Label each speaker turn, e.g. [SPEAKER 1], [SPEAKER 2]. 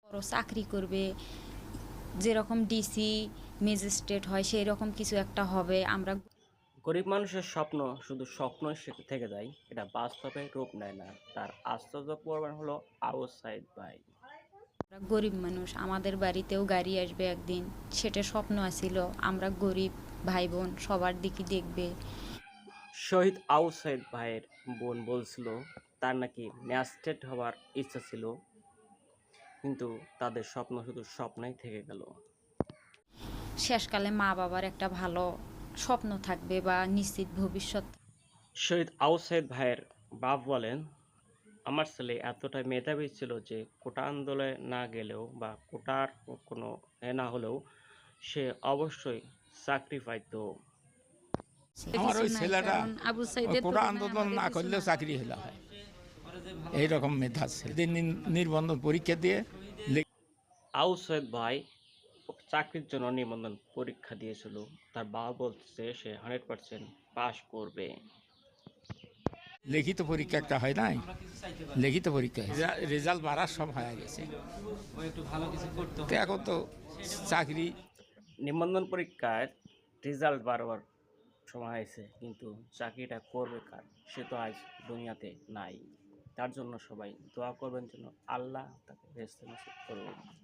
[SPEAKER 1] বড় চাকরি করবে, যেরকম ডিসি ম্যাজিস্ট্রেট হয় সেই রকম কিছু একটা হবে। আমরা
[SPEAKER 2] গরিব মানুষের স্বপ্ন শুধু স্বপ্নই থেকে যায়, এটা বাস্তবে রূপ নেয় না। তার আশ্চর্য প্রমাণ হলো আউস সাইদ ভাই।
[SPEAKER 1] আমরা গরিব মানুষ, আমাদের বাড়িতেও গাড়ি আসবে একদিন, সেটা স্বপ্ন আছিল। আমরা গরিব ভাই বোন সবার দিকে দেখবে।
[SPEAKER 2] শহীদ আউস সাইদ ভাইয়ের বোন বলছিল তার নাকি ম্যাজিস্ট্রেট হওয়ার ইচ্ছা ছিল, কিন্তু তাদের স্বপ্ন শুধু স্বপ্নই থেকে গেল।
[SPEAKER 1] শেষকালে মা বাবার একটা ভালো স্বপ্ন থাকবে বা নিশ্চিত ভবিষ্যৎ।
[SPEAKER 2] শহীদ আউস সাইদ ভাইয়ের বাপ বলেন, আমার ছেলে এতটাই মেধাবী ছিল যে কোটা আন্দোলনে না গেলেও বা কোটার কোনো না হলেও সে অবশ্যই চাকরি পাইতো।
[SPEAKER 3] আমার
[SPEAKER 1] কিছু
[SPEAKER 3] ওই
[SPEAKER 1] নাই,
[SPEAKER 3] ছেলেটা
[SPEAKER 1] কারণ আবু
[SPEAKER 3] ওই
[SPEAKER 1] সাইদের
[SPEAKER 3] কোটা
[SPEAKER 1] তুলনায়
[SPEAKER 3] আন্দোলন
[SPEAKER 1] আমাদের
[SPEAKER 3] না
[SPEAKER 1] কিছু
[SPEAKER 3] করলেও
[SPEAKER 1] না।
[SPEAKER 3] চাকরি হলে হয়, এইরকম মেধা ছিল। দিন নির্বন্ধন পরীক্ষা দিয়ে
[SPEAKER 2] আউস সাইদ ভাই চাকরির জন্য নিবন্ধন পরীক্ষা দিয়েছিল। তার বাবা বলছে সে 100% পাশ করবে।
[SPEAKER 3] লিখিত পরীক্ষা একটা হয় নাই, লিখিত পরীক্ষা রেজাল্ট বাড়ার সব হয়ে গেছে। তো এখন তো চাকরি
[SPEAKER 2] নিবন্ধন পরীক্ষার রেজাল্ট বারবার সময় হয়েছে, কিন্তু চাকরিটা করবে কার, সে তো আজ দুনিয়াতে নাই। তার জন্য সবাই দোয়া করবেন যেন আল্লাহ তাকে বেহেশতে নসিব করুন।